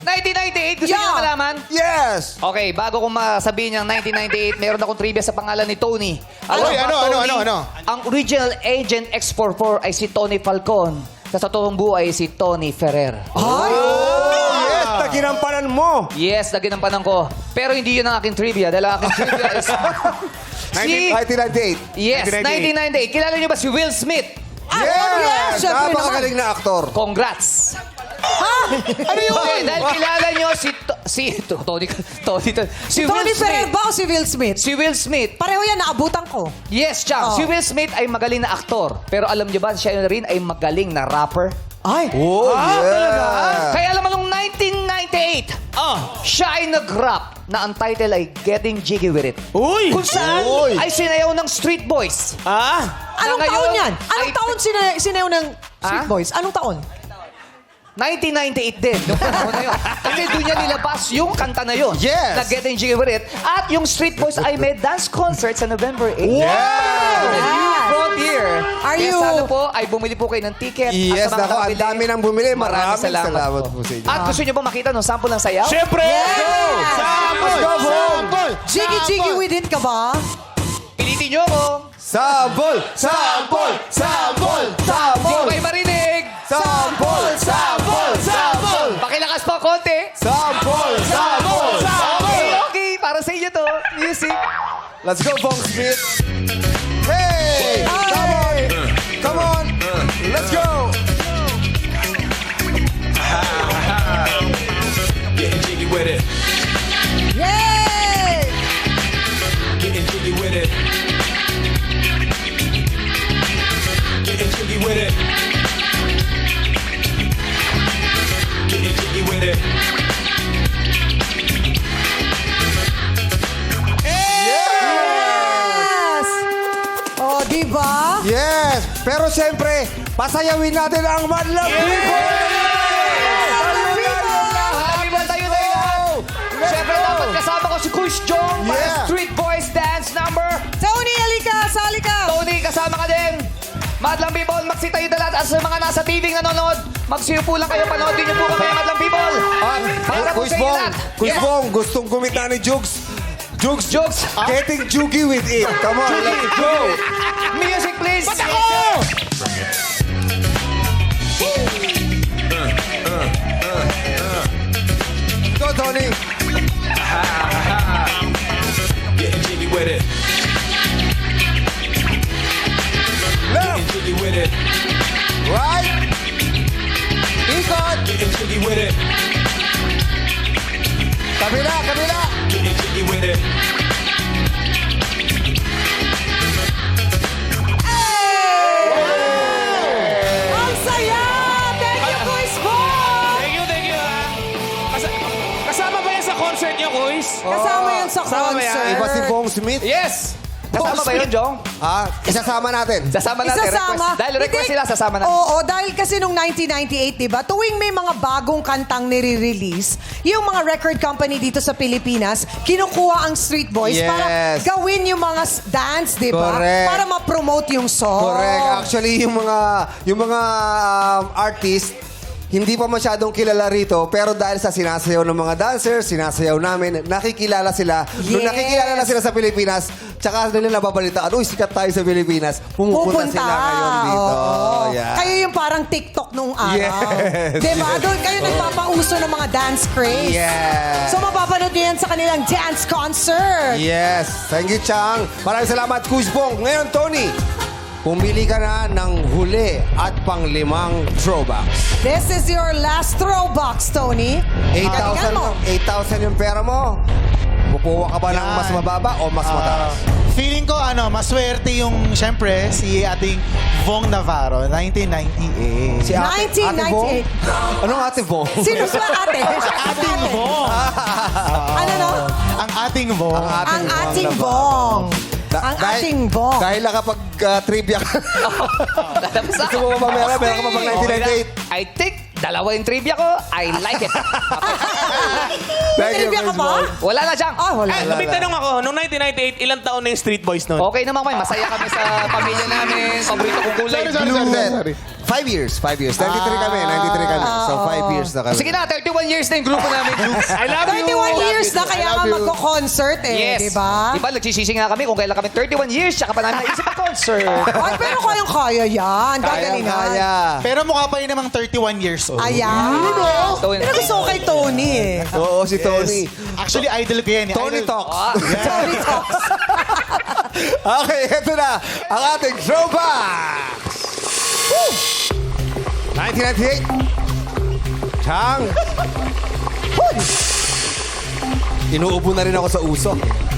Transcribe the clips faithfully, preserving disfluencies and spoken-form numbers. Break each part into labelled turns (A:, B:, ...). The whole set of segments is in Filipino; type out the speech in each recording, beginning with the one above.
A: nineteen ninety-eight, gusto niyo
B: Yeah.
A: malaman?
C: Yes!
A: Okay, bago kong masabihin yung nineteen ninety-eight, meron akong trivia sa pangalan ni Tony.
C: Ano?
A: ba,
C: Ano, ano,
A: Tony?
C: ano, ano?
A: Ang original Agent X forty-four ay si Tony Falcon. Sa totoong buhay, si Tony Ferrer.
B: Ay!
C: Oh, yes! Naginampanan mo!
A: Yes, naginampanan ko. Pero hindi yun ang aking trivia. Dahil ang aking trivia is... si...
C: nineteen ninety-eight.
A: Yes, nineteen ninety-eight. Kilala niyo ba si Will Smith?
B: Ah, oh, yes! Siyempre naman.
C: Napakagaling na aktor.
A: Congrats!
C: Ano yun?
A: Okay, dahil kilala niyo si... To- si... To- Tony... Tony... Si Will
B: Tony Ferrer
A: Smith.
B: ba o si Will Smith?
A: Si Will Smith.
B: Pareho yan, naabutan ko.
A: Yes, Chang.
B: Oh.
A: Si Will Smith ay magaling na aktor. Pero alam niyo ba, siya rin ay magaling na rapper?
B: Ay!
C: Oh, yeah.
A: Kaya alam mo, nung nineteen ninety-eight,
D: Ah.
A: siya ay nag-rap na ang title ay Getting Jiggy With It.
D: Uy!
A: Kung saan
C: Uy.
A: ay sinayaw ng Street Boys.
D: Ah?
B: Anong
A: Na
B: taon
A: ngayon
B: yan? Anong
A: ay-
B: taon sina- sinayaw ng Street
A: Ah?
B: Boys? Anong taon?
A: nineteen ninety-eight din, nung panahon na yun. Kasi doon niya nilabas yung kanta na yun.
C: Yes.
A: Na Getting Jiggy With It. At yung Street Boys ay may dance concert sa November eighth.
C: Yeah!
B: Yes.
A: Frontier.
B: Are
A: Kaya
B: you-
A: sana po ay bumili po kayo ng ticket.
C: Yes,
A: at sa mga
C: nako, ang
A: nakabili,
C: dami nang bumili. Maraming
A: salamat,
C: salamat
A: po.
C: po sa inyo.
A: At gusto niyo ba makita ng sample ng sayaw?
D: Siyempre!
B: Yes!
D: Sample!
C: Let's go, bro!
D: Sample!
B: Jiggy Jiggy With It ka ba?
A: Pilitin niyo ako.
C: Sample! Sample! Sample!
A: Hindi ko
C: Sample!
A: kayo marinig.
C: Sample! Sample! Sample!
A: Pakilakas po konti.
C: Sample! Sample!
A: Okay, okay. Para sa inyo to. Music.
C: Let's go, Bong Smith! Hey! Come on! Come on! Let's go!
E: Getting jiggy with it.
B: Yay!
E: Getting jiggy with it. Getting jiggy with it. Getting jiggy with it.
B: Yes! Oh, di ba?
C: Yes! Pero siyempre, pasayawin natin ang Madlang People! Madlang People!
A: Happy ba tayo na lahat? Siyempre dapat kasama ko si Kush Jong para
C: Yeah.
A: Street Boys Dance Number.
B: Tony, halika! Sali ka!
A: Tony, kasama ka din. Madlang People, magsitayo na lahat. At sa mga nasa T V nanonood, magsiupo lang kayo. Panoodin niyo po kami, Madlang People.
C: At
A: Para po
C: Kuis
A: sa inyo
C: Bong,
A: lahat.
C: Kuis
A: Yes.
C: Bong, gustong kumita ni Jugs. Jugs,
A: Jugs.
C: Getting jiggy with it. Come on, let's go!
A: Music, please. Ba't ako?
C: Go, Tony!
E: Getting jiggy with it.
C: Left!
E: Getting jiggy with it.
C: Right! Ikot!
E: Getting jiggy with it.
C: Kabila, kabila!
E: Getting jiggy with it.
B: Ang saya! Thank you, Kuis Bong!
D: Thank you, thank you, ha? Kas- kasama ba yan sa concert niyo, Kuis?
B: Kasama yan sa
D: Kasama ba yan?
B: concert.
C: Iba si Bong Smith.
A: Yes. Kasama ba yun, Jong?
C: Ah, isasama natin.
A: Sasama natin.
B: Isasama.
A: Request. Dahil request
B: Hindi-
A: sila, sasama natin.
B: Oo, dahil kasi nung nineteen ninety-eight, di ba, tuwing may mga bagong kantang nire-release, yung mga record company dito sa Pilipinas, kinukuha ang Street Boys
C: Yes.
B: para gawin yung mga s- dance, di ba?
C: Correct.
B: Para ma-promote yung song.
C: Correct. Actually, yung mga yung mga um, artist, hindi pa masyadong kilala rito, pero dahil sa sinasayaw ng mga dancers, sinasayaw namin, nakikilala sila. Nung
B: Yes.
C: nakikilala na sila sa Pilipinas, tsaka nila nababalitaan, uy, sikat tayo sa Pilipinas. Pumupunta
B: Pupunta.
C: sila ngayon dito.
B: Oo.
C: Yeah.
B: Kayo yung parang TikTok nung araw.
C: Yes.
B: Di ba? Doon kayo nagpapauso ng mga dance craze.
C: Yes.
B: So, mapapanood nyo yan sa kanilang dance concert.
C: Yes. Thank you, Chang. Maraming salamat, Kuis Bong. Ngayon, Tony, pumili ka na ng huli at panglimang throwbacks.
B: This is your last throwbox, Tony.
C: eight
B: Galingan
C: thousand
B: mo.
C: eight thousand yung pera mo. Kukuha ka ba ng
F: Yan.
C: mas mababa o mas mataas?
F: Ah, feeling ko, ano, maswerte yung, syempre, si ating Vong Navarro, nineteen ninety-eight.
C: Si
B: nineteen ninety-eight.
C: Bong? Anong ate Bong?
B: Sino ba ate?
F: ating Vong.
B: Ano no?
F: Ang ating Vong.
B: Ang ating bong.
C: Da-
B: Ang
C: dahil-
B: ating bong.
C: Dahil nakapag-trivia ka.
A: Lalabas
C: Gusto mo ba mamera? Meron ka ba pang nineteen ninety-eight?
A: I think dalawa yung trivia ko. I like it.
C: Thank you,
B: Trivia ka
C: Kuis
B: ba?
C: Bong.
A: Wala na, Jang.
B: Ah, wala.
D: Eh, may tanong ako, noong nineteen ninety-eight, ilang taon na yung Street Boys noon?
A: Okay naman kami. Masaya kami sa pamilya namin. Paborito kong kulay.
C: Sorry, sorry,
A: blue.
C: sorry, sorry. five years. Five years. ninety-three kami. ninety-three kami. So, five years na kami.
A: Sige na, thirty-one years na yung grupo namin.
D: I love you.
B: thirty-one years na kaya
C: I love
B: ka
C: you.
B: magko-concert eh,
A: Yes.
B: di ba?
A: Diba, nagsisisi nga kami kung kailan kami thirty-one years, tsaka pa namin naisip ang concert.
B: Ay, pero kayang-kaya yan.
C: Kaya,
B: Gagalingan.
C: kaya.
F: Pero mukha pa rin namang thirty-one years old.
B: Ayan.
A: Tony.
B: Pero gusto ko kay Tony eh.
C: Oo, si Tony.
F: Actually, idol ko yan. eh.
C: Tony
F: Idol-
C: Talks.
A: Ah,
B: Tony talks.
C: Okay, eto na ang ating throwback. Woo! nineteen ninety-eight. Chang. Inuubo na rin ako sa usok.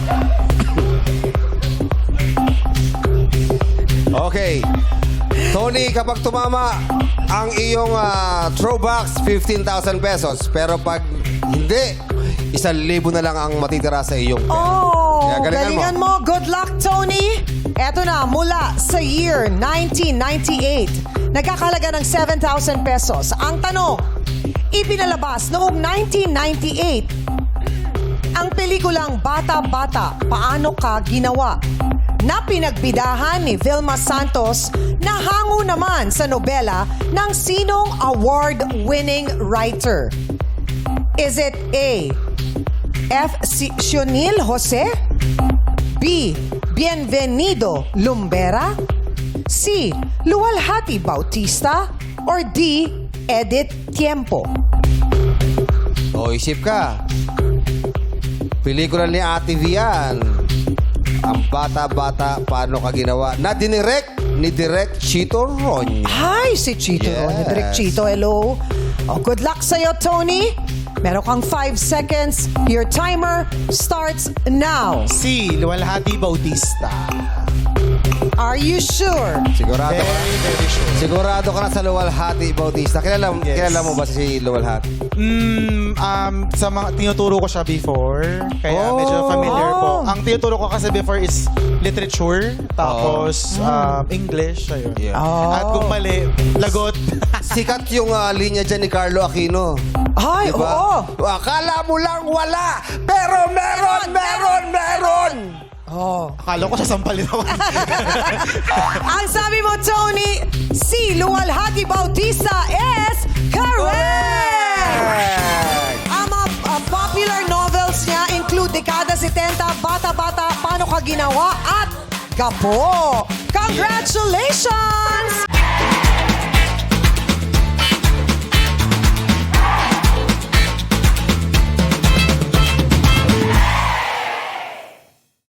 C: Okay. Tony, kapag tumama ang iyong ah, throwbacks, fifteen thousand pesos. Pero pag hindi, isang libo na lang ang matitira sa iyong pera.
B: Oh,
C: Kaya galingan
B: galingan mo. Good luck, Tony. Eto na, mula sa year nineteen ninety-eight, nagkakalaga ng seven thousand pesos. Ang tanong, ipinalabas noong nineteen ninety-eight, ang pelikulang Bata Bata, Paano Ka Ginawa? Na pinagbidahan ni Vilma Santos na hango naman sa nobela ng sinong award-winning writer? Is it A. F. Si Sionil Jose? B. Bienvenido Lumbera? C. Luwalhati Bautista? Or D. Edith Tiempo?
C: O, isip ka. Pelikula ni Ate Vian. Ang bata-bata, paano ka ginawa? Na dinirect ni Direk Chito Ronyo.
B: Hi, si Chito.
C: Yes.
B: Ronyo. Direk Chito, hello. Oh, good luck sa'yo, Tony. Meron kang five seconds. Your timer starts now.
F: Si Luwalhati Bautista.
B: Are you sure?
C: Sigurado ka?
F: Very, very sure.
C: Sigurado ka na sa Luwalhati Bautista. Kilala,
F: Yes.
C: kilala mo ba si Luwalhati?
F: Mm, um, sa mga tinuturo ko siya before. Kaya
C: Oh.
F: medyo familiar po.
B: Oh.
F: Ang tinuturo ko kasi before is literature. Tapos um, English. Ayun.
C: Yeah.
B: Oh.
F: At kung mali, lagot.
C: Sikat yung ah, linya dyan ni Carlo Aquino.
B: Ay,
C: Diba?
B: oo.
C: Akala mo lang wala, pero meron, meron, meron!
B: Oh.
F: Akala ko sasampalin ako.
B: Ang sabi mo, Tony, si Luwalhati Bautista is correct! Ang mga uh, popular novels niya include Dekada seventy, Bata-Bata, Paano Ka Ginawa, at Gapo. Congratulations!